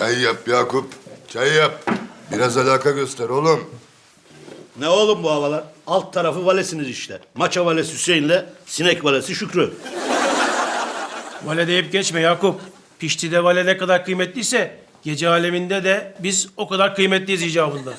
Çay yap Yakup. Çay yap. Biraz alaka göster oğlum. Ne oğlum bu havalar? Alt tarafı valesiniz işte. Maça valesi Hüseyin'le sinek valesi Şükrü. Vale deyip geçme Yakup. Pişti'de vale ne kadar kıymetliyse gece aleminde de biz o kadar kıymetliyiz icabında.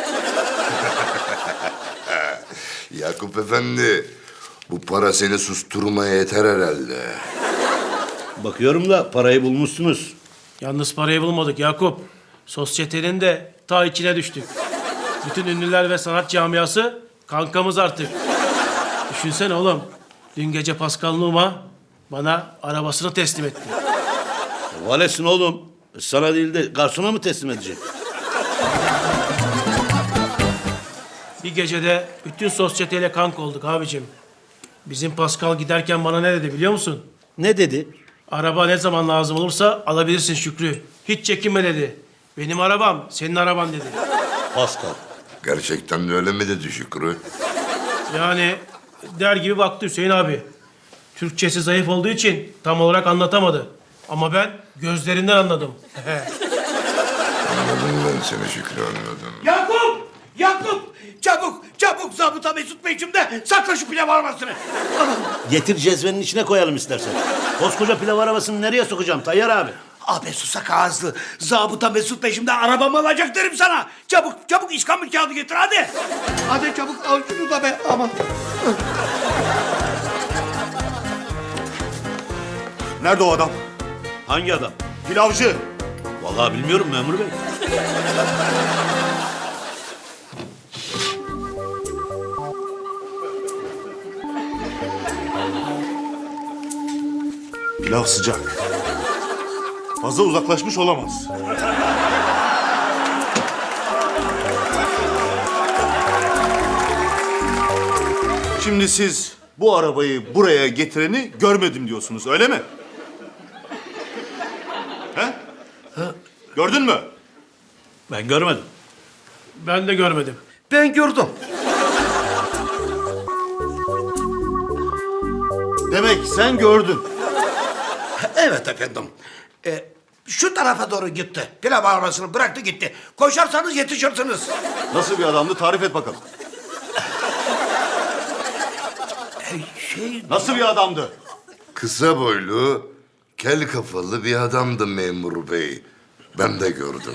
Yakup efendi. Bu para seni susturmaya yeter herhalde. Bakıyorum da parayı bulmuşsunuz. Yalnız parayı bulmadık Yakup. Sosyetenin de ta içine düştük. Bütün ünlüler ve sanat camiası kankamız artık. Düşünsene oğlum. Dün gece Pascal Numa bana arabasını teslim etti. Valesin oğlum. Sana değil de garsona mı teslim edecek? Bir gecede bütün sosyeteyle kanka olduk abicim. Bizim Pascal giderken bana ne dedi biliyor musun? Ne dedi? Araba ne zaman lazım olursa alabilirsin Şükrü. Hiç çekinme dedi. Benim arabam senin araban dedi. Pascal. Gerçekten de öyle mi dedi Şükrü? Yani der gibi baktı Hüseyin abi. Türkçesi zayıf olduğu için tam olarak anlatamadı. Ama ben gözlerinden anladım. Anladım ben seni Şükrü, anladım. Yakup! Yakup! Çabuk, çabuk zabıta Mesut peşimde. Sakla şu pilav arabasını. Getir cezvenin içine koyalım istersen. Koskoca pilav arabasını nereye sokacağım Tayyar abi? Abi susak ağızlı. Zabıta Mesut peşimde arabamı alacak derim sana. Çabuk, çabuk iskambil kağıdı getir hadi. Hadi çabuk al şunu da be aman. Nerede o adam? Hangi adam? Pilavcı. Vallahi bilmiyorum memur bey. Pilav sıcak. Fazla uzaklaşmış olamaz. Şimdi siz bu arabayı buraya getireni görmedim diyorsunuz, öyle mi? He? Gördün mü? Ben görmedim. Ben de görmedim. Ben gördüm. Demek sen gördün. Evet efendim. Şu tarafa doğru gitti. Pilav arabasını bıraktı gitti. Koşarsanız yetişirsiniz. Nasıl bir adamdı, tarif et bakalım. Nasıl bir adamdı? Kısa boylu, kel kafalı bir adamdı memur bey. Ben de gördüm.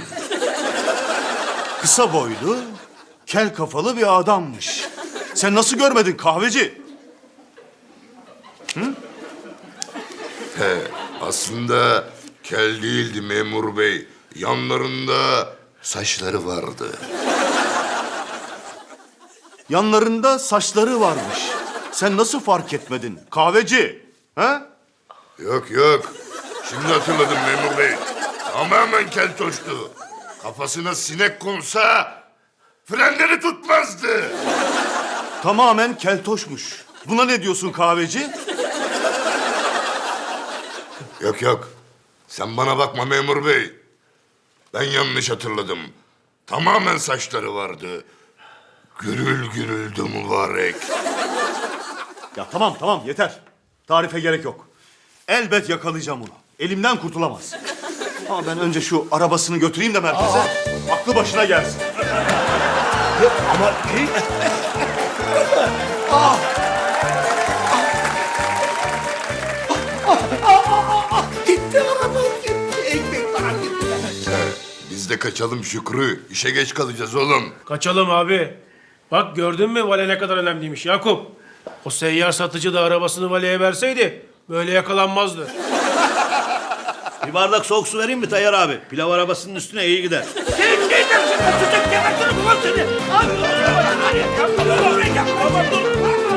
Kısa boylu, kel kafalı bir adammış. Sen nasıl görmedin kahveci? He, aslında kel değildi memur bey. Yanlarında saçları vardı. Yanlarında saçları varmış. Sen nasıl fark etmedin kahveci? Ha? Yok yok. Şimdi hatırladım memur bey. Tamamen keltoştu. Kafasına sinek konsa frenleri tutmazdı. Tamamen keltoşmuş. Buna ne diyorsun kahveci? Yok yok. Sen bana bakma memur bey. Ben yanlış hatırladım. Tamamen saçları vardı. Gürül gürüldü mübarek. Ya tamam yeter. Tarife gerek yok. Elbet yakalayacağım onu. Elimden kurtulamaz. Ama ben önce şu arabasını götüreyim de merkeze. Aklı başına gelsin. Ama gitti arabam gitti. Ekmek param gitti. Biz de kaçalım Şükrü. İşe geç kalacağız oğlum. Kaçalım abi. Bak gördün mü vale ne kadar önemliymiş Yakup. O seyyar satıcı da arabasını valeye verseydi böyle yakalanmazdı. Bir bardak soğuk su vereyim mi Tayyar abi? Pilav arabasının üstüne iyi gider. Sen ne dersin? Tutacak gebertirim ulan seni. Hadi.